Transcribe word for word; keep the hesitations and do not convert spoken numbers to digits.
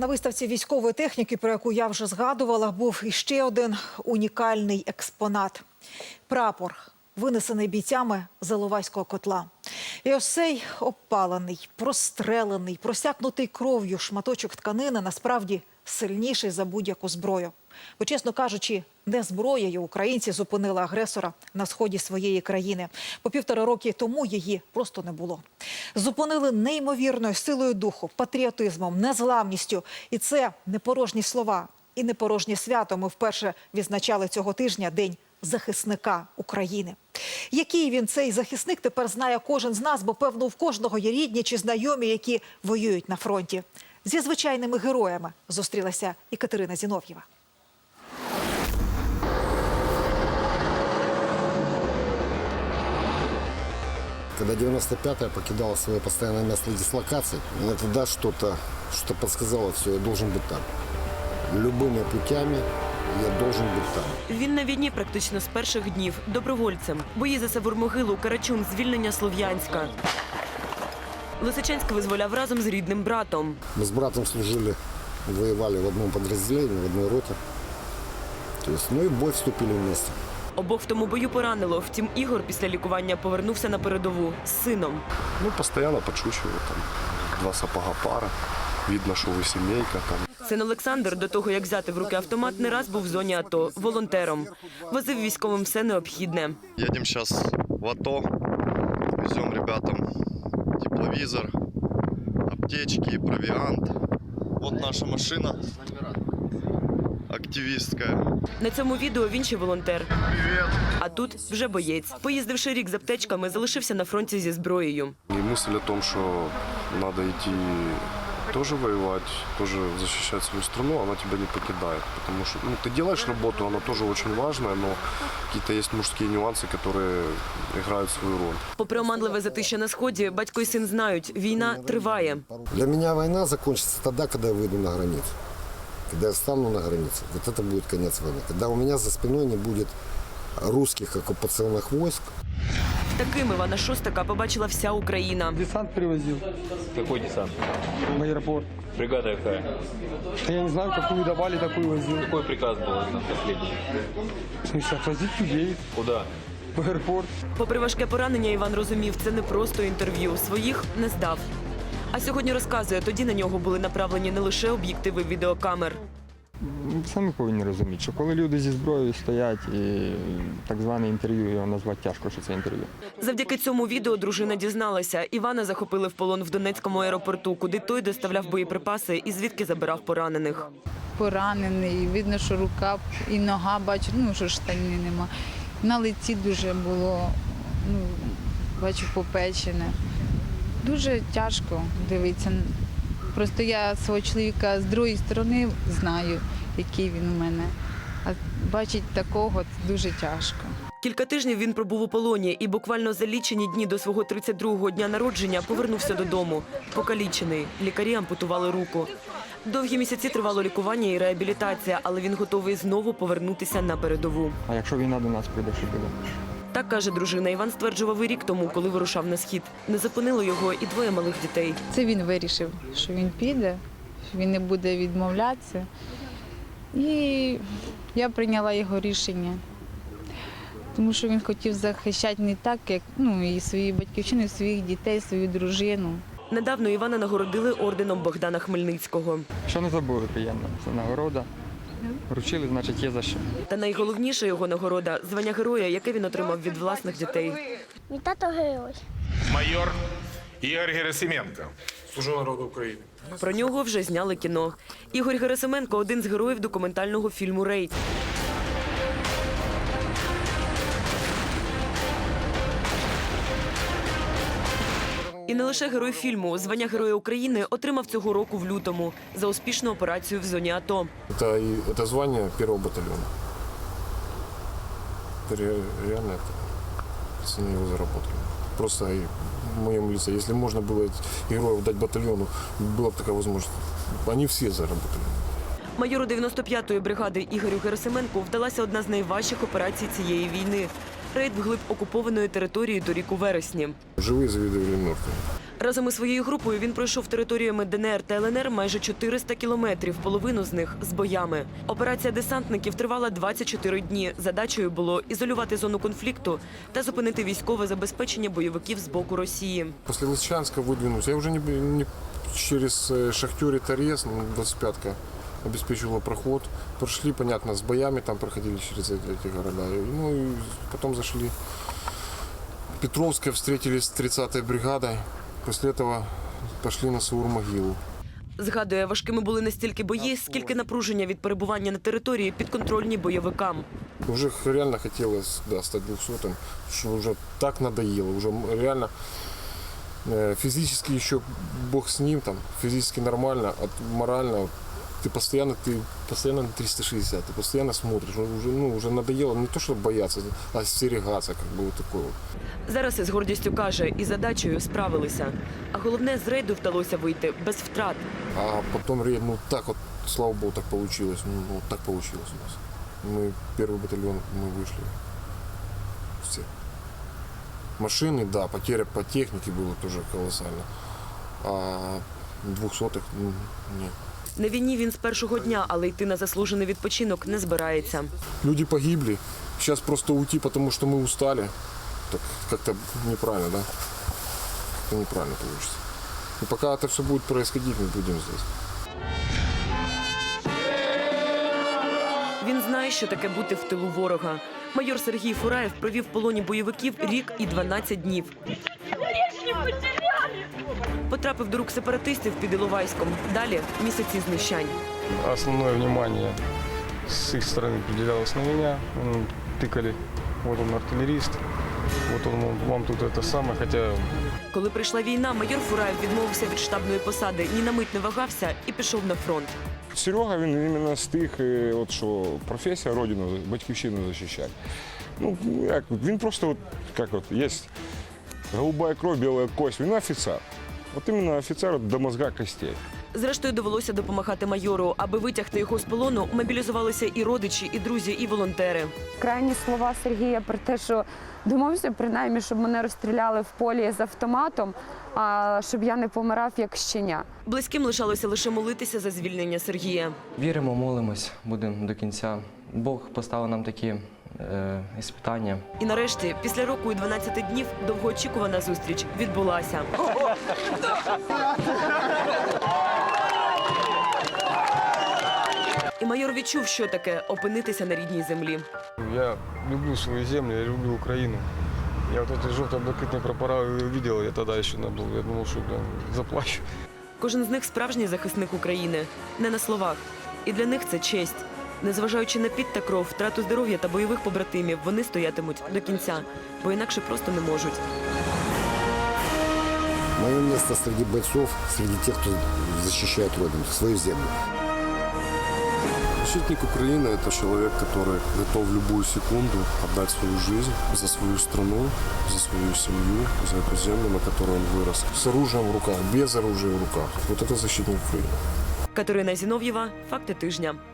На виставці військової техніки, про яку я вже згадувала, був іще один унікальний експонат – прапор, винесений бійцями з Іловайського котла. І ось цей обпалений, прострелений, просякнутий кров'ю шматочок тканини насправді сильніший за будь-яку зброю. Бо, чесно кажучи, не зброєю українці зупинили агресора на сході своєї країни. По півтора роки тому її просто не було. Зупинили неймовірною силою духу, патріотизмом, незламністю. І це не порожні слова і не порожнє свято. Ми вперше відзначали цього тижня День захисника України. Який він, цей захисник, тепер знає кожен з нас, бо, певно, в кожного є рідні чи знайомі, які воюють на фронті. Зі звичайними героями зустрілася і Катерина Зінов'єва. Когда девяносто пятая покидала свое постоянное место дислокации, мне тогда что-то что подсказало, все, я должен быть там. Любыми путями я должен быть там. Він на війні практично з перших днів, добровольцем. Бої за Савур-Могилу, Карачун, звільнення Слов'янська. Лисичанськ визволяв разом з рідним братом. Мы с братом служили, воевали в одном подразделении, в одной роте. То есть, ну и в бой вступили вместе. Обох в тому бою поранило. Втім, Ігор після лікування повернувся на передову з сином. Ну, постоянно подшучиваю, там, два сапога пара, видно, що ви сімейка. Там. Син Олександр, до того, як взяти в руки автомат, не раз був в зоні АТО, волонтером. Возив військовим все необхідне. Едем сейчас в АТО, везем ребятам тепловизор, аптечки, провиант. Вот наша машина активистская. На цьому відео він ще волонтер. А тут вже боєць. Поїздивши рік з аптечками, залишився на фронті зі зброєю. І мысль о том, що треба йти тоже воевать, тоже защищать свою страну, она тебя не покидает. Потому что ну, ты делаешь работу, она тоже очень важная, но какие-то есть мужские нюансы, которые играют свою роль. Попри оманливе затища на сході, батько і син знають, війна триває. Для меня война закончится тогда, когда я выйду на границу. Когда я встану на границе, вот это будет конец войны. Когда у меня за спиной не будет русских оккупационных войск. Таким Івана Шостака побачила вся Україна. Десант привозил Какой десант? в аэропорт. Бригада какая? Да я не знаю, какую давали, такую возил. Какой приказ был на последний? В смысле, отвозить людей Куда? в аэропорт. Попри важке поранення, Іван розумів, це не просто інтерв'ю. Своїх не здав. А сьогодні розказує, тоді на нього були направлені не лише об'єктиви відеокамер. Самі повинні розуміти, що коли люди зі зброєю стоять, і так зване інтерв'ю, його назвати тяжко, що це інтерв'ю. Завдяки цьому відео дружина дізналася. Івана захопили в полон в Донецькому аеропорту, куди той доставляв боєприпаси і звідки забирав поранених. Поранений, видно, що рука і нога, бачу, ну, що штанів нема. На лиці дуже було, ну, бачу, попечене. Дуже тяжко дивитися. Просто я свого чоловіка з другої сторони знаю, який він у мене. А бачити такого – це дуже тяжко. Кілька тижнів він пробув у полоні і буквально за лічені дні до свого тридцять другого дня народження повернувся додому. Покалічений. Лікарі ампутували руку. Довгі місяці тривало лікування і реабілітація, але він готовий знову повернутися на передову. А якщо війна до нас прийде, що буде? Так каже дружина. Іван стверджував і рік тому, коли вирушав на схід. Не зупинило його і двоє малих дітей. Це він вирішив, що він піде, що він не буде відмовлятися. І я прийняла його рішення. Тому що він хотів захищати не так, як ну, і свою батьківщину, і своїх дітей, свою дружину. Недавно Івана нагородили орденом Богдана Хмельницького. Що не забули, приємно. Це нагорода. Вручили, значить, є за що. Та найголовніша його нагорода – звання героя, яке він отримав від власних дітей. Мій тато герой. Майор Ігор Герасименко. Служу народу України. Про нього вже зняли кіно. Ігор Герасименко – один з героїв документального фільму «Рейд». І не лише герой фільму. Звання Героя України отримав цього року в лютому за успішну операцію в зоні АТО. Это, и- это звание первого батальона. Это ре- реально это, пацаны его заработали. Просто и в моем лице, если можно было этих героев дать батальону, была бы такая возможность. Они все заработали. Майору дев'яносто п'ятої бригади Ігорю Герасименку вдалася одна з найважчих операцій цієї війни – рейд вглиб окупованої території торік у вересні. Живые завидовали мертвым. Разом із своєю групою він пройшов територіями Де Ен Ер та Ел Ен Ер майже чотириста кілометрів, половину з них з боями. Операція десантників тривала двадцять чотири дні. Задачею було ізолювати зону конфлікту та зупинити військове забезпечення бойовиків з боку Росії. После Лисичанска выдвинулся. Я уже не, не через э, Шахтер и Торез, ну, двадцать пятка обеспечивала проход. Прошли, понятно, с боями, там проходили через эти, эти города. И, ну и потом зашли в Петровское, встретились с тридцатой бригадой. После этого пошли на Саур-могилу. Згадує, важкими були не стільки бої, скільки напруження від перебування на території підконтрольній бойовикам. Уже реально хотелось, да, стать двухсотым, что уже так надоело, уже реально э, физически еще бог с ним, там, физически нормально, а морально ты постоянно, ты постоянно на триста шестьдесят, ты постоянно смотришь, уже, ну, уже надоело не то, что бояться, а остерегаться, как бы вот такое вот. Зараз із гордістю каже, із задачею справилися. А головне, з рейду вдалося вийти без втрат. А потом рейд, ну так вот, слава богу, так получилось, ну вот так получилось у нас. Мы первый батальон, мы вышли все. Машины, да, потеря по технике было тоже колоссально. А двухсотых, ну, нет. На війні він з першого дня, але йти на заслужений відпочинок не збирається. Люди погибли. Сейчас просто уйти, потому что мы устали. Так как-то неправильно, да? Как-то неправильно получится. И пока это все будет происходить, мы будем здесь. Він знає, що таке бути в тилу ворога. Майор Сергій Фураєв провів в полоні бойовиків рік і дванадцять днів. Потрапив до рук сепаратистів під Іловайськом. Далі – місяці знущань. Основное внимание с их стороны определялось на меня. М, Тыкали, вот он артиллерист, вот он мол, вам тут это самое, хотя Коли прийшла війна, майор Фураєв відмовився від штабної посади, ні на мить не вагався і пішов на фронт. Серега, він іменно з тих, е, от що професія родину, батьківщину захищати. Ну, як, він просто, от, як от, є голубая кров, біла кость, він офіцер. От іменно офіцер до мозга костей. Зрештою, довелося допомагати майору. Аби витягти його з полону, мобілізувалися і родичі, і друзі, і волонтери. Крайні слова Сергія про те, що домовився принаймні, щоб мене розстріляли в полі з автоматом, а щоб я не помирав як щеня. Близьким лишалося лише молитися за звільнення Сергія. Віримо, молимось, будемо до кінця. Бог поставив нам такі е, іспитання. І нарешті, після року і дванадцяти днів, довгоочікувана зустріч відбулася. І майор відчув, що таке опинитися на рідній землі. я люблю свою землю, я люблю Украину. Я вот эти желто-блакитные прапора увидел, я тогда еще не был, я думал, что блин, заплачу. Кожен з них справжній захисник України. Не на словах. І для них це честь. Незважаючи на піт та кров, втрату здоров'я та бойових побратимів, вони стоятимуть до кінця, бо інакше просто не можуть. Мое место среди бойцов, среди тех, кто защищает Родину, свою землю. Защитник Украины – это человек, который готов в любую секунду отдать свою жизнь за свою страну, за свою семью, за эту землю, на которой он вырос. С оружием в руках, без оружия в руках. Вот это защитник Украины. Катерина Зінов'єва, «Факти тижня».